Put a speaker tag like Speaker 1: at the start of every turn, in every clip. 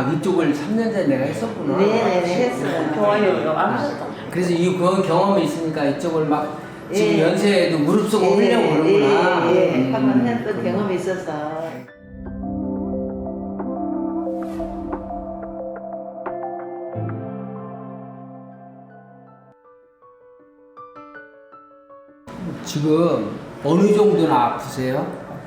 Speaker 1: 그쪽을 3년 전에 내가 했었구나.
Speaker 2: 네네네 했어요.
Speaker 3: 좋아요.
Speaker 1: 그래서 그런 경험이 있으니까 이쪽을 막 지금
Speaker 2: 예.
Speaker 1: 연세에도 무릎 쓰고 하려고 그러구나.
Speaker 2: 예. 한번 했던 경험이 있어서.
Speaker 1: 지금 어느 정도나 아프세요?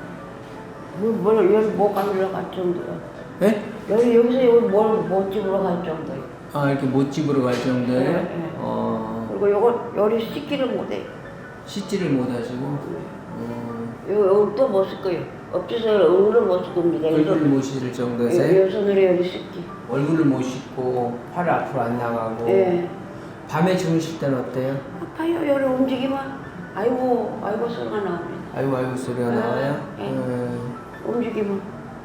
Speaker 3: 여기 못 가지러 갈 정도요.
Speaker 1: 예?
Speaker 3: 여기서 여기 못 집으러 갈 정도요.
Speaker 1: 아, 이렇게 못 집으러 갈 정도예요?
Speaker 3: 네, 네. 그리고 요리 씻기를 못해요.
Speaker 1: 씻지를 못 하시고
Speaker 3: 여기 또 못 쓸 거예요. 엎쳐서 얼굴을 못 쓸 겁니다.
Speaker 1: 얼굴을 못 씻을 정도세요?
Speaker 3: 요 손으로 여기 씻기.
Speaker 1: 얼굴을 못 씻고 팔 앞으로 안 나가고
Speaker 3: 예.
Speaker 1: 밤에 주무실 때는 어때요?
Speaker 3: 아파요. 여기 움직이면 아이고 소리가 나옵니다.
Speaker 1: 아이고 소리가
Speaker 3: 네.
Speaker 1: 나와요?
Speaker 3: 네.
Speaker 1: 네.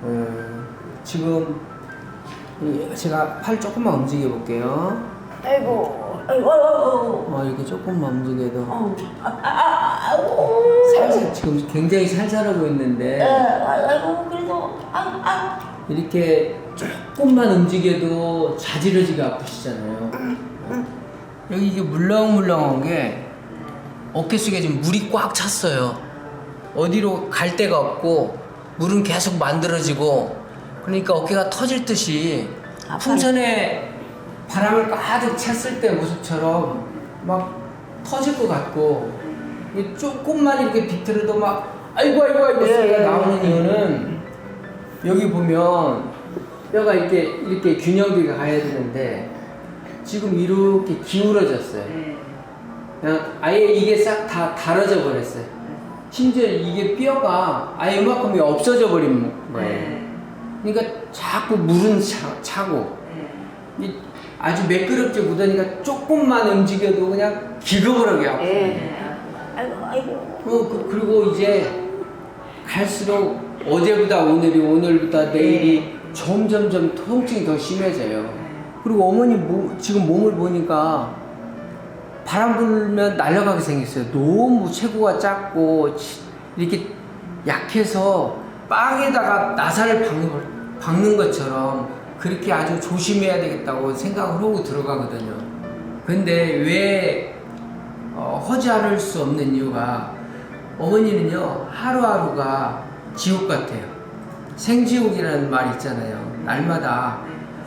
Speaker 1: 지금 제가 팔 조금만 움직여 볼게요.
Speaker 3: 아이고.
Speaker 1: 이렇게 조금만 움직여도
Speaker 3: 아이고.
Speaker 1: 살살 지금 굉장히 살살하고 있는데
Speaker 3: 아이고 그래도
Speaker 1: 이렇게 조금만 움직여도 자지러지게 아프시잖아요. 여기 이게 물렁물렁한 게 어깨 속에 지금 물이 꽉 찼어요. 어디로 갈 데가 없고 물은 계속 만들어지고 그러니까 어깨가 터질 듯이 풍선에 바람을 가득 찼을 때 모습처럼 막 터질 것 같고 조금만 이렇게 비틀어도 막 아이고 소리가 나오는 이유는 여기 보면 뼈가 이렇게 균형비가 가야 되는데 지금 이렇게 기울어졌어요. 그냥 아예 이게 싹 다 달아져 버렸어요. 심지어 이게 뼈가 아예 이만큼이 없어져 버린 거예요. 그러니까 자꾸 물은 차고 아주 매끄럽지 못하니까 조금만 움직여도 그냥 기겁을 하게 아파요.
Speaker 3: 아이고.
Speaker 1: 그리고 이제 갈수록 어제보다 오늘보다 내일이 점점점 통증이 더 심해져요. 그리고 어머니 지금 몸을 보니까 바람 불면 날아가게 생겼어요. 너무 체구가 작고 이렇게 약해서 빵에다가 나사를 박는 것처럼 그렇게 아주 조심해야 되겠다고 생각을 하고 들어가거든요. 근데 왜 하지 않을 수 없는 이유가 어머니는요 하루하루가 지옥 같아요. 생지옥이라는 말 있잖아요. 날마다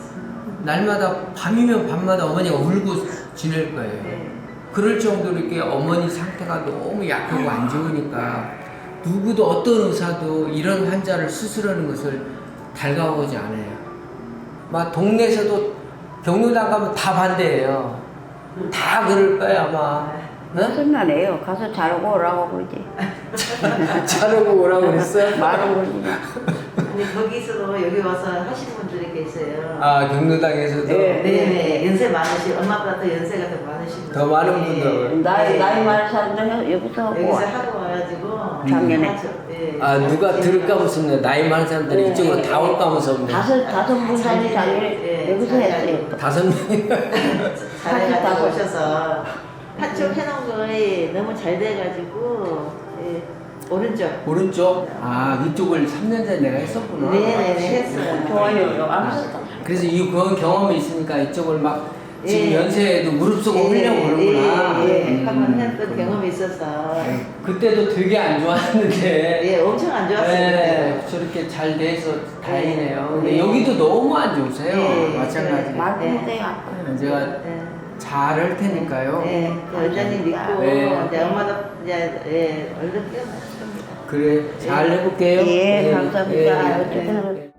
Speaker 1: 밤이면 밤마다 어머니가 울고 지낼 거예요. 그럴 정도로 이렇게 어머니 상태가 너무 약하고 안 좋으니까 누구도 어떤 의사도 이런 환자를 수술하는 것을 달가오지 않아요. 막 동네에서도 경로당 가면 다 반대해요. 다 그럴 거야 아마.
Speaker 3: 무슨 말이에요? 가서 자르고 오라고 그러지.
Speaker 1: 자르고 오라고 그랬어?
Speaker 3: 말은 그러지.
Speaker 2: 근데 거기서도 여기 와서 하시는 분들이 계세요.
Speaker 1: 아 경로당에서도?
Speaker 2: 네. 연세 많으신 엄마보다 더 연세가 더 많으신 분.
Speaker 1: 더 많은 분들.
Speaker 3: 나이 많은 사람들 여기서
Speaker 2: 하고 와가지고
Speaker 3: 작년에.
Speaker 2: 하죠. 네.
Speaker 1: 아 누가 들을까 무섭네. 나이 많은 사람들이 이쪽으로 다 올까 무섭네.
Speaker 3: 다섯 분이 작년에 여기서 했어요.
Speaker 1: 5명이.
Speaker 2: 잘해가지고 오셔서 한쪽 해놓은 거에 너무 잘 돼가지고 오른쪽.
Speaker 1: 아 이쪽을 3년 전에 내가 했었구나.
Speaker 2: 네네네 했어요.
Speaker 3: 좋아요.
Speaker 1: 그래서 그런 경험이 있으니까 이쪽을 막 지금
Speaker 2: 예.
Speaker 1: 연세에도 무릎 쓰고 하려고 그러구나.
Speaker 2: 한번 했던 경험이 있어서.
Speaker 1: 그때도 되게 안 좋았는데.
Speaker 2: 엄청 안 좋았어요.
Speaker 1: 네, 저렇게 잘 돼서 다행이네요. 근데 여기도 너무 안 좋으세요. 마찬가지.
Speaker 3: 말도 못해요.
Speaker 1: 제가 잘 할 테니까요.
Speaker 2: 그 원장님 믿고
Speaker 1: 네.
Speaker 2: 이제 엄마도 이제 얼른 깨어났습니다.
Speaker 1: 그래, 잘 해볼게요.
Speaker 3: 예, 감사합니다.
Speaker 1: 네.